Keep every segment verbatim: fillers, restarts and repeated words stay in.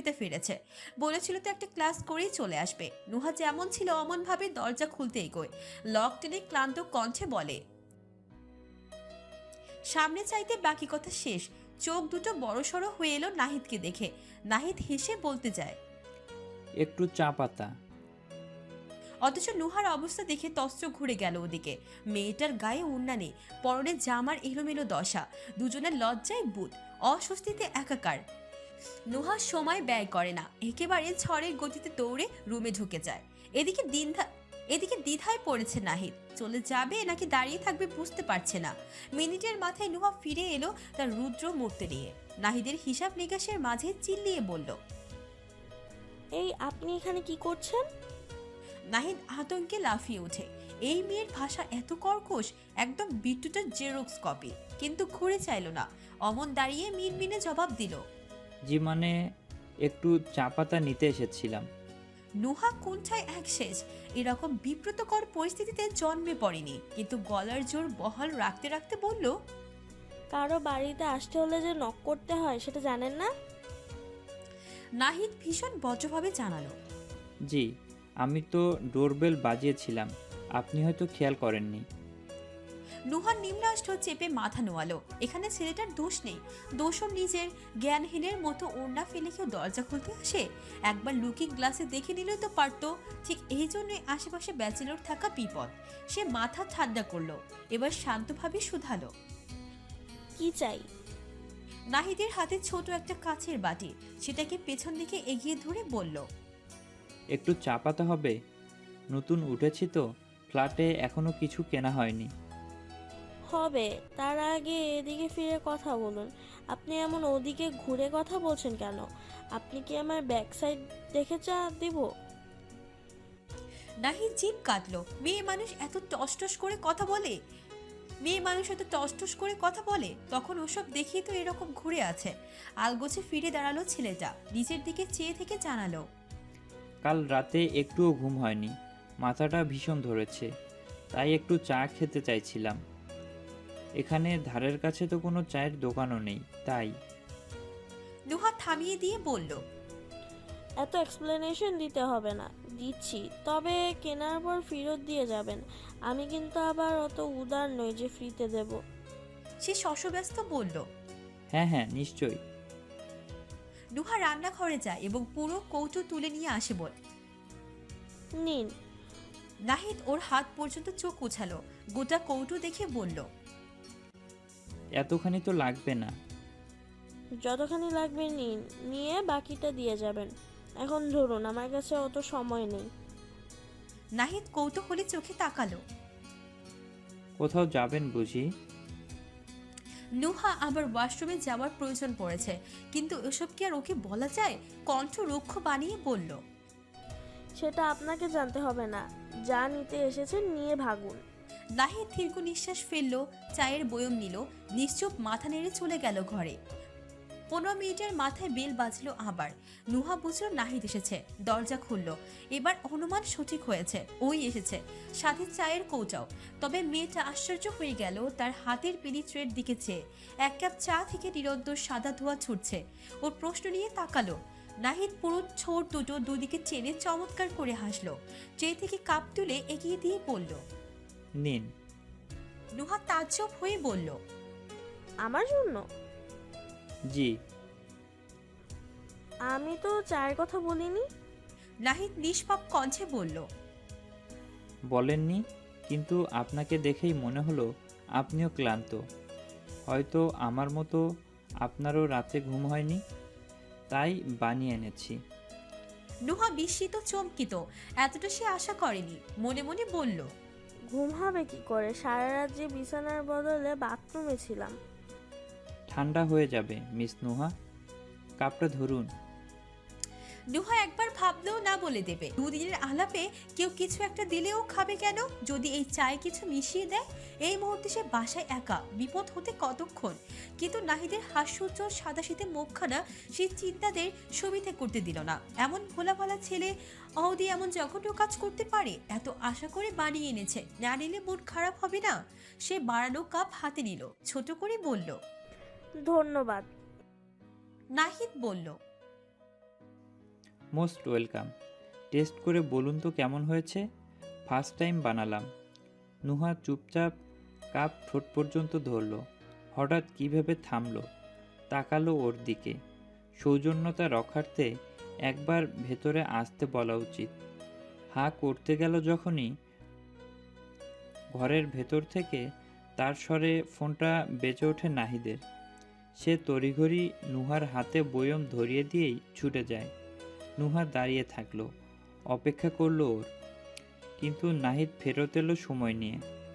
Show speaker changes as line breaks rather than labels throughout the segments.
খেতে ফিরেছে। বলেছিল তো একটা ক্লাস করেই চলে আসবে। নুহা যেমন ছিল অমন ভাবে দরজা খুলতে এগোয়। লক টেনে ক্লান্ত কণ্ঠে বলে, সামনে চাইতে বাকি কথা শেষ। চোখ দুটো বড়সড় হয়ে এলো নাহিদকে দেখে। নাহিদ হেসে বলতে যায়,
একটু চা পাতা।
অথচ নুহার অবস্থা দেখে তস্ত্র ঘুরে গেল ওদিকে। মেয়েটার গায়ে ওড়না নেই, পরনে জামার এলোমেলো দশা, দুজনের লজ্জায় বুট, অস্বস্তিতে একাকার। নুহা সময় ব্যয় করে না, একেবারে ঝড়ের গতিতে দৌড়ে রুমে ঢুকে যায়। এদিকে দিনধা এদিকে দ্বিধায় পড়েছে নাহিদ, চলে যাবে নাকি দাঁড়িয়ে থাকবে বুঝতে পারছে না। মিনিটের মাথায় নুহা ফিরে এলো তার রুদ্র মূর্তি নিয়ে। নাহিদের হিসাব নিকাশের মাঝে চিল্লিয়ে বলল,
এই আপনি এখানে কি করছেন?
নাহিদ আতঙ্কে লাফিয়ে ওঠে। এই মেয়ের ভাষা এত কর্কশ, একদম বিট্টুটার জেরক্স কপি। কিন্তু ঘুরে চাইল না, অমন দাঁড়িয়ে মিনমিনে জবাব দিল,
জি মানে একটু চা পাতা নিতে এসেছিলাম।
নুহা কুণ্ঠায় এক শেষ। এরকম বিব্রতকর পরিস্থিতিতে জন্মে পড়েনি, কিন্তু গলার জোর বহাল রাখতে রাখতে বলল,
কারো বাড়িতে আসতে হলে যে নক করতে হয় সেটা জানেন না?
নাহিদ ভীষণ বজ্রভাবে জানালো,
জি, আমি তো ডোরবেল বাজিয়েছিলাম, আপনি হয়তো খেয়াল করেননি।
নুহার নিম্নাষ্ট চেপে মাথা নোয়ালো। এখানে ছেলেটার দোষ নেই, দোষও নিজের। জ্ঞানহীনের মতো ওড়না ফেলে কেউ দরজা খুলতে আসে? একবার লুকিং গ্লাসে দেখে নিলেও তো পারতো। ঠিক এই জন্যই আশেপাশে ব্যাচেলর থাকা বিপদ। সে মাথা ঠান্ডা করলো, এবার শান্তভাবে শুধালো,
কি চাই?
নাহিদের হাতে ছোট একটা কাচের বাটি, সেটাকে পেছন দিকে এগিয়ে ধরে বলল,
একটু চা পাতা হবে? নতুন উঠেছি তো, ফ্ল্যাটে এখনো কিছু কেনা হয়নি।
হবে, তার আগে এদিকে ফিরে কথা বলুন। আপনি এমন ওদিকে ঘুরে কথা বলছেন কেন? আপনি কি আমার ব্যাক সাইড দেখে চা দিব?
নাহিদ জিভ কাটলো। মেয়ে মানুষ এত টসটস করে কথা বলে? মেয়ে মানুষ এত টসটস করে কথা বলে? তখন ওসব দেখিয়ে তো এরকম ঘুরে আছে। আলগোছে ফিরে দাঁড়ালো ছেলেটা, নিচের দিকে চেয়ে থেকে জানালো,
কাল রাতে একটুও ঘুম হয়নি, মাথাটা ভীষণ ধরেছে, তাই একটু চা খেতে চাইছিলাম। এখানে ধারের কাছে তো কোনো চায়ের দোকানও নেই, তাই।
নুহা থামিয়ে দিয়ে বলল,
এত এক্সপ্লেনেশন দিতে হবে না, দিচ্ছি, তবে কেনার পর ফেরত দিয়ে যাবেন। আমি কিন্তু আবার অত উদার নই যে ফ্রিতে দেব।
সে শশব্যস্ত বলল।
হ্যাঁ হ্যাঁ নিশ্চয়ই।
নুহা রান্নাঘরে যায় এবং পুরো কৌটো তুলে নিয়ে আসে বল।
নিন।
নাহিদ ওর হাত পর্যন্ত চোখ উছালো, গোটা কৌটো দেখে বলল,
এতখানি তো লাগবে না।
যতখানি লাগবে নিন, নিয়ে বাকিটা দিয়ে যাবেন। এখন ধরুন, আমার কাছে অত সময় নেই।
নাহিদ কৌতূহলী চোখে তাকালো।
কোথাও যাবেন বুঝি?
নুহা আবার ওয়াশরুমে যাওয়ার প্রয়োজন পড়েছে, কিন্তু এসব কি আর ওকে বলা যায়? কণ্ঠ রুক্ষ বানিয়ে বলল,
সেটা আপনাকে জানতে হবে না, যা নিতে এসেছেন নিয়ে ভাগুন।
নাহিদ দীর্ঘ নিঃশ্বাস ফেলল, চায়ের বয়ম নিল, নিশ্চুপ মাথা নেড়ে চলে গেল ঘরে। পনেরো মিনিটের মাথায় বেল বাজলো আবার। নুহা বুঝলো নাহিদ এসেছে, দরজা খুলল। এবার অনুমান সঠিক হয়েছে, ওই এসেছে, সাথে চায়ের কৌটাও। তবে মেয়েটা আশ্চর্য হয়ে গেল তার হাতের পিলি ট্রের দিকে চেয়ে। এক কাপ চা থেকে নিরন্তর সাদা ধোঁয়া ছুটছে। ওর প্রশ্ন নিয়ে তাকালো। নাহিদ পুরো ছোট দুটো দুদিকে টেনে চমৎকার করে হাসলো। ট্রে থেকে কাপ তুলে এগিয়ে দিয়ে বলল,
নিন।
নুহা তাজ্জব হয়ে বলল,
আমার জন্য?
জি।
আমি তো চায়ের কথা বলিনি।
নাহিদ নিষ্পাপ কণ্ঠে বলল,
বলেননি, কিন্তু আপনাকে দেখেই মনে হলো আপনিও ক্লান্ত। হয়তো আমার মতো আপনারও রাতে ঘুম হয়নি, তাই বানিয়ে এনেছি।
নুহা বিস্মিত চমকিত, এতটা সে আশা করেনি। মনে মনে বলল,
ঘুম হবে কি করে, সারা রাত যে বিছানার বদলে বাথরুমে ছিলাম।
ঠান্ডা হয়ে যাবে মিস নুহা, কাপটা ধরুন।
নুহা একবার ভাবলেও না বলে দেবে। দুদিনের আলাপে কেউ কিছু একটা দিলেও খাবে কেন? যদি এই চায়ে কিছু মিশিয়ে দেয়? এই মুহূর্তে সে বাসায় একা, বিপদ হতে কতক্ষণ। কিন্তু নাহিদের হাস্যোজ্জ্বল সাদাশীতে মুখখানা সেই চিন্তাদের সুবিধে করতে দিল না। এমন ভোলা ভালা ছেলে অহদি এমন জঘন্য কাজ করতে পারে? এত আশা করে বানিয়ে এনেছে, না নিলে মন খারাপ হবে না? সে বাড়ানো কাপ হাতে নিল, ছোট করে বলল,
ধন্যবাদ।
নাহিদ বলল,
মোস্ট ওয়েলকাম। টেস্ট করে বলুন তো কেমন হয়েছে? ফার্স্ট টাইম বানালাম। নুহা চুপচাপ কাপ ঠোঁট পর্যন্ত ধরল। হঠাৎ কীভাবে থামলো, তাকালো ওর দিকে। সৌজন্যতা রক্ষার্থে একবার ভেতরে আসতে বলা উচিত। হা করতে গেল যখনই, ঘরের ভেতর থেকে তার স্বরে ফোনটা বেজে ওঠে নাহিদের। সে তড়িঘড়ি নুহার হাতে বয়ম ধরিয়ে দিয়েই ছুটে যায়। নুহা দাঁড়িয়ে থাকলো, অপেক্ষা করলো ওর। কিন্তু নাহিদ ফেরত এলো সময় নিয়ে।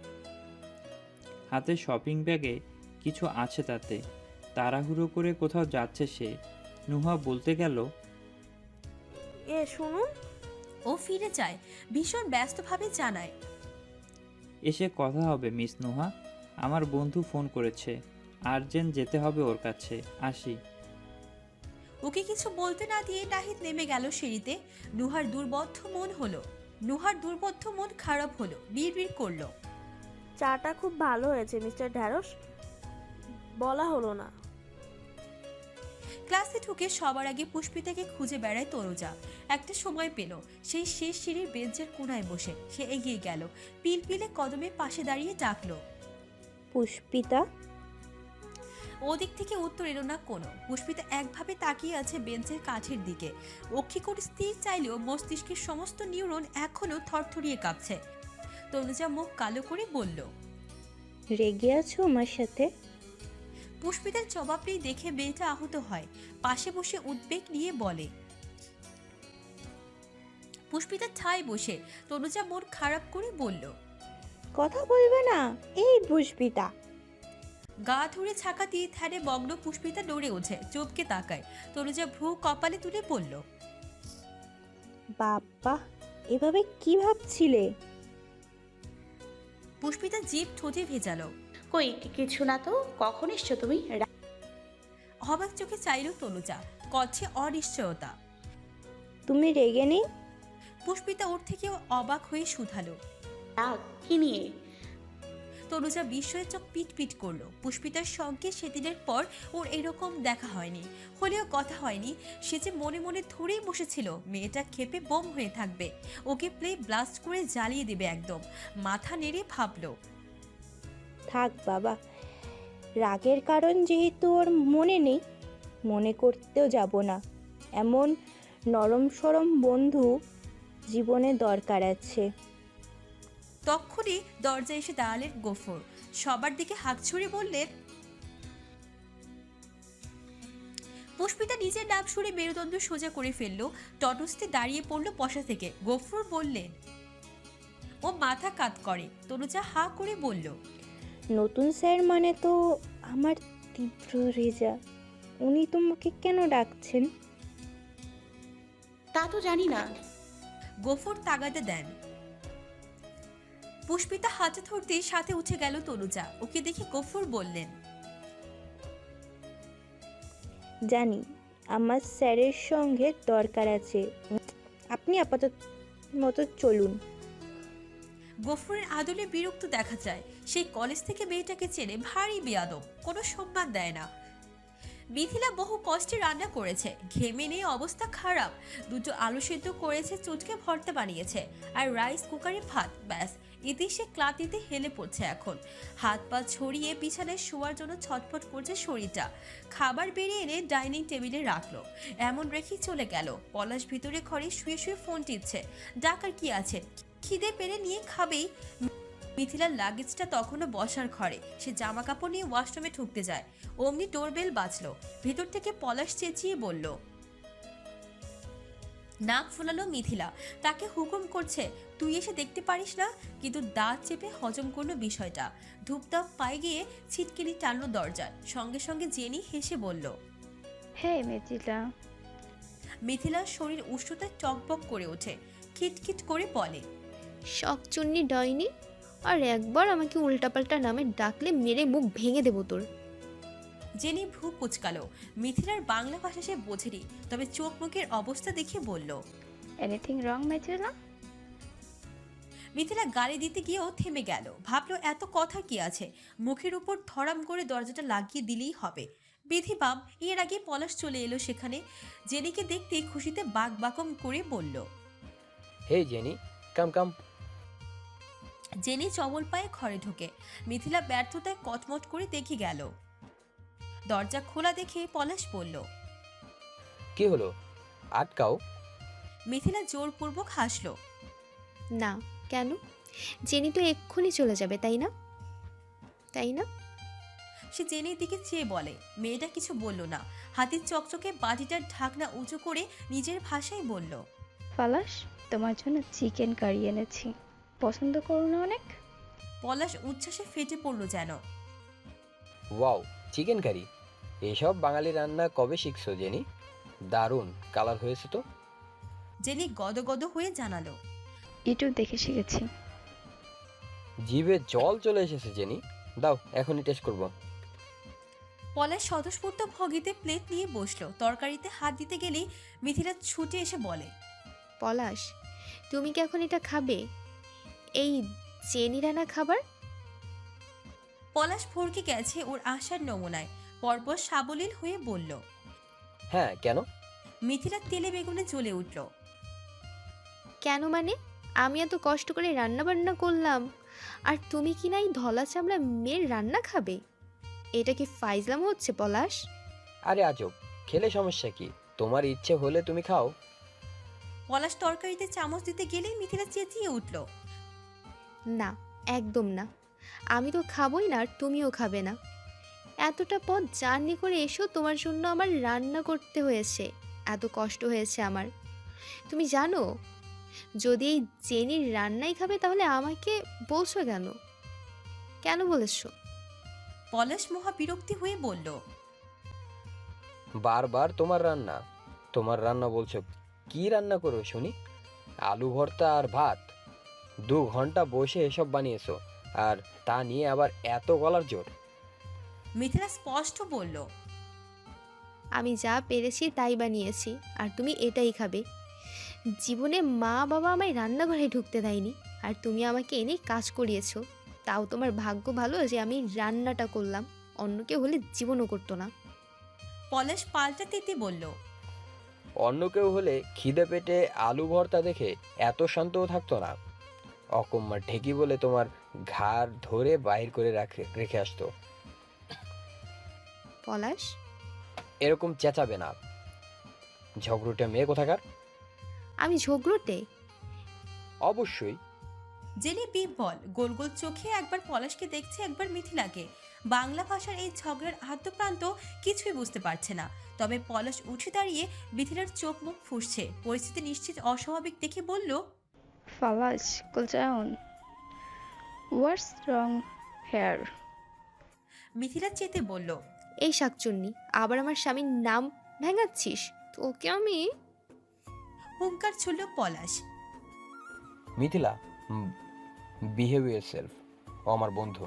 হাতে শপিং ব্যাগে কিছু আছে তাতে। তাড়াহুড়ো করে কোথাও যাচ্ছে সে। নুহা বলতে গেল,
এ শুনুন।
ও ফিরে যায়, ভীষণ ব্যস্তভাবে জানায়,
এসে কথা হবে মিস নুহা। আমার বন্ধু ফোন করেছে, আর্জেন্ট যেতে হবে ওর কাছে, আসি।
ওকে কিছু বলতে না দিয়ে নাহিদ নেমে গেল সিঁড়িতে। নুহার দুর্বদ্ধ মন হলো নুহার দুর্বদ্ধ মন খারাপ হলো, বিড়বিড় করলো,
চাটা খুব ভালো হয়েছে মিস্টার ঢ্যাঁড়স, বলা হলো না।
ক্লাসে ঢুকে সবার আগে পুষ্পিতাকে খুঁজে বেড়ায় তনুজা। একটা সময় পেল, সেই শেষ সিঁড়ির বেঞ্চের কোনায় বসে সে এগিয়ে গেল, পিলপিলে কদমে পাশে দাঁড়িয়ে ডাকলো।
পুষ্পিতা।
ওদিক থেকে উত্তর এলো না কোনো। পুষ্পিতা একভাবে তাকিয়ে আছে বেঞ্চের কাঠের দিকে। অক্ষিকোণ স্থির চাইলেও মস্তিষ্কের সমস্ত নিউরন এখনো থরথরিয়ে কাঁপছে। তনুজা মুখ কালো করে বলল,
রেগে আছো আমার সাথে?
পুষ্পিতার জবাবটি দেখে মেয়েটা আহত হয়, পাশে বসে উদ্বেগ নিয়ে বলে। পুষ্পিতা ঠায় বসে তনুজা মন খারাপ করে বলল,
কথা বলবে না? এই পুষ্পিতা।
গা ধরে ছাকা দিয়ে ধ্যানে মগ্ন পুষ্পিতা নড়ে ওঠে, চোপকে তাকায়। তনুজা ভ্রু কপালে তুলে বলল,
বাবা, এভাবে কি ভাবছিলে?
পুষ্পিতা জিভ ঠোঁটে ভেজালো।
কই কি- কিছু না তো। কখন এসছো তুমি? রা-
অবাক চোখে চাইল তনুজা, কচ্ছে অনিশ্চয়তা।
তুমি রেগে নেই?
পুষ্পিতা ওর থেকেও অবাক হয়ে শুধালো।
রাগ কি নিয়ে?
তনুজা বিস্ময়ে চোখ পিট পিট করলো। পুষ্পিতার সঙ্গে সেদিনের পর ওর এরকম দেখা হয়নি, হলেও কথা হয়নি। সে যে মনে মনে ধরেই বসেছিল মেয়েটা ক্ষেপে বোম হয়ে থাকবে, ওকে প্লে ব্লাস্ট করে জ্বালিয়ে দেবে একদম। মাথা নেড়ে ভাবলো,
থাক বাবা, রাগের কারণ যেহেতু ওর মনে নেই, মনে করতেও যাব না। এমন নরম সরম বন্ধু জীবনে দরকার আছে।
তক্ষুনি দরজা এসে দাঁড়ালেন গফুর। সবার দিকে হাত ছুড়ে বললেন। পুষ্পিতা নিজের নাম শুনে মেরুদণ্ড সোজা করে ফেললো, টটস্থে দাঁড়িয়ে পড়লো বসা থেকে। গফুর বললেন, ও মাথা কাত করে। তনুজা হা করে বলল,
নতুন স্যার মানে তো আমার তীব্র রেজা। উনি তোমাকে কেন ডাকছেন?
তা তো জানি না।
গফুর তাগাদা দেন। পুষ্পিতা হাতে ধরতে সাথে উঠে গেল তনুজা। ওকে দেখে গফুর বললেন,
জানি আমার স্যারের সঙ্গে দরকার আছে, আপনি আপাতত মতো চলুন।
গফুরের আদলে বিরক্ত দেখা যায়। সেই কলেজ থেকে মেয়েটাকে চেনে, ভারী বেয়াদব, কোনো সম্মান দেয় না। মিথিলা বহু কষ্টে রান্না করেছে, ঘেমে নিয়ে অবস্থা খারাপ। দুটো আলু সেদ্ধ করেছে, চুটকে ভর্তা বানিয়েছে, আর রাইস কুকারে ভাত। ব্যাস, এতে সে ক্লান্তিতে হেলে পড়ছে এখন। হাত পা ছড়িয়ে বিছানায় শোয়ার জন্য ছটফট করছে শরীরটা। খাবার বেরিয়ে এনে ডাইনিং টেবিলে রাখলো, এমন রেখেই চলে গেল। পলাশ ভিতরে ঘরে শুয়ে শুয়ে ফোন টিপছে। ডাকার কি আছে, খিদে পেরে নিয়ে খাবেই। মিথিলার লাগেজটা তখনও বসার ঘরে। সে জামা কাপড় নিয়ে ওয়াশরুমে ঢুকতে যায়, অমনি ডোরবেল বাজলো। ভেতর থেকে পলাশ চেঁচিয়ে বলল। নাক ফোলালো মিথিলা, তাকে হুকুম করছে, তুই এসে দেখতে পারিস না? কিন্তু দাঁত চেপে হজম করলো বিষয়টা। ধূপধাপ পায়ে গিয়ে ছিটকিনি টানলো দরজার। সঙ্গে সঙ্গে জেনি হেসে বলল,
হে মিথিলা।
মিথিলার শরীর উষ্ণতায় টকবক করে ওঠে, খিটখিট করে বলে,
শখচুন্নি ডাইনি, আর একবার আমাকে উল্টাপাল্টা নামে ডাকলে মেরে মুখ ভেঙে দেবো তোর।
জেনি ভ্রু কুচকালো। মিথিলার বাংলা ভাষা সে বোঝেনি, তবে চোখ মুখের অবস্থা দেখে বলল,
এনিথিং রং মিথিলা?
মিথিলা গালি দিতে গিয়েও থেমে গেল। ভাবলো এত কথা কি আছে, মুখের উপর ধরাম করে দরজাটা লাগিয়ে দিলেই হবে। বিধিবাম এর আগে পলাশ চলে এলো সেখানে। জেনিকে দেখতে খুশিতে বাক বাকম করে বলল।
হে জেনি, কাম কাম।
জেনি চবল পায়ে ঘরে ঢোকে। মিথিলা ব্যর্থতায় কটমট করে দেখে গেল। দরজা খোলা দেখে পলাশ বলল।
কি হলো, আটকাও।
মিথিলা জোরপূর্বক হাসল।
না, কেন? জেনি তো এক্ষুনি চলে যাবে, তাই না? তাই না?
সে জেনির দিকে চেয়ে বলে। মেয়েটা কিছু বলল না। হাতির চকচকে বাটিটার ঢাকনা উঁচু করে নিজের ভাষায় বলল।
পলাশ, তোমার জন্য চিকেন কারি এনেছি, পছন্দ করো না অনেক?
পলাশ উচ্ছ্বাসে ফেটে পড়ল যেন।
Wow, chicken curry! এসব বাঙালি রান্না কবে শিখছো জেনি? দারুণ কালার হয়েছে তো।
জেনি গদগদ হয়ে জানালো।
ইউটিউব দেখে শিখেছি।
জিভে জল চলে এসেছে জেনি, দাও এখনই টেস্ট করব।
পলাশ স্বতঃস্ফূর্ত ভঙ্গিতে প্লেট নিয়ে বসলো। তরকারিতে হাত দিতে গেলেই মিথিলা ছুটে এসে বলে।
পলাশ, তুমি কি এখন এটা খাবে? এই জেনি রান্না খাবার?
পলাশ ভরকে গেছে ওর আশার নমুনায়। পরপর সাবলীল হয়ে বলল।
হ্যাঁ, কেন?
মিথিলা তেলে বেগুনে জ্বলে উঠল।
কেন মানে? আমি এত কষ্ট করে রান্না বান্না করলাম, আর তুমি কি না এই ধলা চামড়া মেয়ের রান্না খাবে? এটা কি ফাইজলাম হচ্ছে পলাশ?
আরে আজব, খেলে সমস্যা কি? তোমার ইচ্ছে হলে তুমি খাও।
পলাশ তরকারিতে চামচ দিতে গেলেই মিথিলা চেঁচিয়ে উঠল।
না, একদম না। আমি তো খাবই না, আর তুমিও খাবে না। এতটা পথ জার্নি করে এসো তোমার জন্য আমার রান্না করতে হয়েছে, এত কষ্ট হয়েছে আমার। তুমি জানো, যদি এই জেনির রান্নাই খাবে তাহলে আমাকে বলছো কেন? কেন বলেছো?
পলাশ মহা বিরক্তি হয়ে বলল।
বারবার তোমার রান্না তোমার রান্না বলছো। কি রান্না করো শুনি? আলু ভর্তা আর ভাত। দু ঘন্টা বসে এসব বানিয়েছো, আর তা নিয়ে আবার এত গলার জোর?
মিথিলা স্পষ্ট বলল।
আমি যা পেরেছি তাই বানিয়েছি, আর তুমি এটাই খাবে। জীবনে মা বাবা আমায় রান্নাঘরে ঢুকতে দেয়নি, আর তুমি আমাকে এনে কাজ করিয়েছো। তাও তোমার ভাগ্য ভালো যে আমি রান্নাটা করলাম, অন্য কেউ হলে জীবনও করতো না।
পলাশ পাল্টা তেতে বলল।
অন্য কেউ হলে খিদে পেটে আলু ভর্তা দেখে এত শান্তও থাকতো না। অকম্মা ঢেকি বলে তোমার ঘাড় ধরে বাহির করে রাখে রেখে আসতো।
পলাশ,
এরকম চেঁচাবে না, ঝগড়ুটে মেয়ে কোথাকার।
আমি ঝগড়ুটে?
অবশ্যই।
জেনি বিহ্বল, গোল গোল চোখে একবার পলাশকে দেখছে, একবার মিথিলাকে। বাংলা ভাষার এই ঝগড়ার আদ্যপ্রান্ত কিছুই বুঝতে পারছে না। তবে পলাশ উঠে দাঁড়িয়ে মিথিলার চোখ মুখ ফুসছে। পরিস্থিতি নিশ্চিত অস্বাভাবিক দেখে বলল।
পলাশ, cool down. What's wrong here?
Mithila চেতে বলল।
এই শাকচুন্নি, আবার আমার স্বামীর নাম ভেঙাচ্ছিস? তোকে আমি।
হুঙ্কার ছুড়ল পলাশ।
Mithila, behave yourself. ও আমার বন্ধু।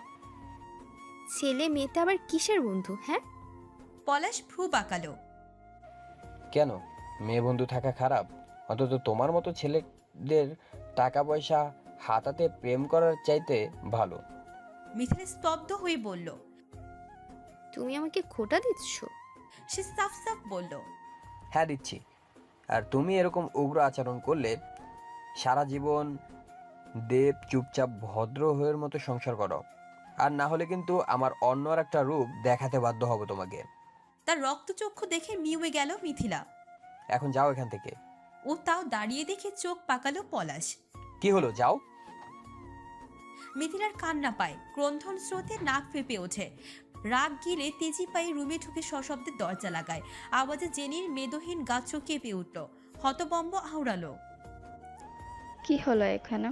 ছেলে মেয়েটা আবার কিসের বন্ধু? হ্যাঁ,
পলাশ ভ্রু বাঁকালো।
কেন, মেয়ে বন্ধু থাকা খারাপ? অন্তত তোমার মতো ছেলেদের টাকা পয়সা হাতাতে প্রেম করার চাইতে ভালো।
মিথিলা স্তব্ধ হয়ে বলল।
তুমি আমাকে খোটা দিচ্ছ?
সে সাফ সাফ বলল।
হ্যাঁ দিচ্ছি। আর তুমি এরকম উগ্র আচরণ করলে সারা জীবন দেব চুপচাপ ভদ্র হয়ের মতো সংসার করো, আর না হলে কিন্তু আমার অন্য আর একটা রূপ দেখাতে বাধ্য হব তোমাকে।
তার রক্তচক্ষু দেখে মিউয়ে গেল মিথিলা।
এখন যাও এখান থেকে।
ও তাও দাঁড়িয়ে দেখে চোখ পাকালো পলাশ।
কি হলো, যাও।
মিথিলার কান্না পায়, ক্রন্ধন স্রোতে নাক ফেঁপে ওঠে। রাগ গিলে তেজি পায়ে রুমে ঢুকে সশব্দে দরজা লাগায়। আওয়াজে জেনির মেদহীন গাছ কেঁপে উঠল। হতবম্ব আওড়ালো।
কি হলো এখানে?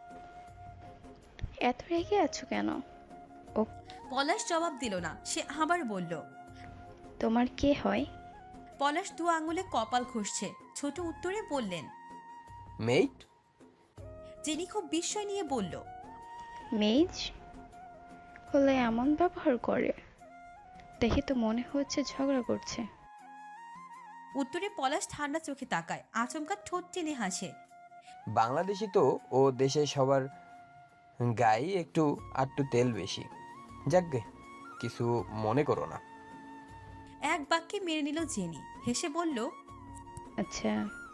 এত রেগে আছো কেন?
পলাশ জবাব দিল না। সে আবার বলল।
তোমার কে হয়?
পলাশ দু আঙুলে কপাল ঘষছে। ছোট উত্তরে বললেন।
মেইট।
জেনি খুব বিস্ময় নিয়ে বলল।
মেজ হলে এমন ব্যবহার করে? দেখে তো মনে হচ্ছে ঝগড়া করছে।
উত্তরে পলাশ ঠান্ডা চোখে তাকায়, আচমকা ঠোঁট টেনে হাসে।
বাংলাদেশি তো, ও দেশে সবার গায়ে একটু আটটু তেল বেশি। যাকগে, কিছু মনে করো না।
এক বাক্যে মেনে নিল জেনি, হেসে বলল,
আচ্ছা।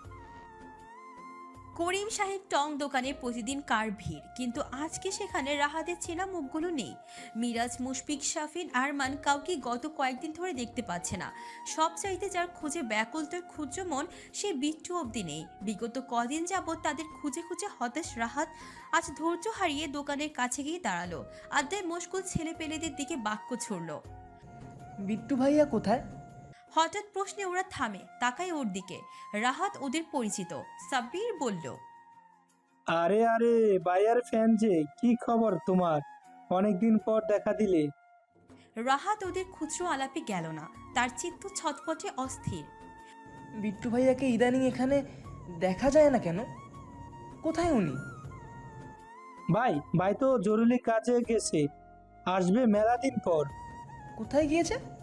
করিম সাহেব টং দোকানে প্রতিদিন কার ভিড়, কিন্তু আজকে সেখানে রাহাতের চেনা মুখগুলো নেই। মিরাজ, মুশফিক, শাফিন, আরমান কাউকে গত কয়েকদিন ধরে দেখতে পাচ্ছে না। সব চাইতে যার খুঁজে ব্যাকুল তোর ক্ষুদ্র মন, সে বিট্টু অবধি নেই। বিগত কদিন যাবৎ তাদের খুঁজে খুঁজে হতাশ রাহাত আজ ধৈর্য হারিয়ে দোকানের কাছে গিয়ে দাঁড়ালো। আড্ডায় মশগুল ছেলে পেলেদের দিকে বাক্য ছুড়ল।
বিট্টু ভাইয়া কোথায়?
হঠাৎ প্রশ্নে ওরা থামে, তাকায় ওর দিকে। রাহাত ওদের পরিচিত। সাব্বির বলল,
আরে আরে ভাইয়ার ফ্যান যে, কি খবর তোমার? অনেকদিন পর দেখা দিলে।
রাহাত ওদের খুচরো আলাপে গেল না, তার চিত্ত ছটফটে অস্থির।
বিট্টু ভাইয়াকে ইদানিং এখানে দেখা যায় না কেন? কোথায় উনি?
ভাই ভাই তো জরুরি কাজে গেছে, আসবে মেলা দিন পর।
কোথায় গিয়েছে?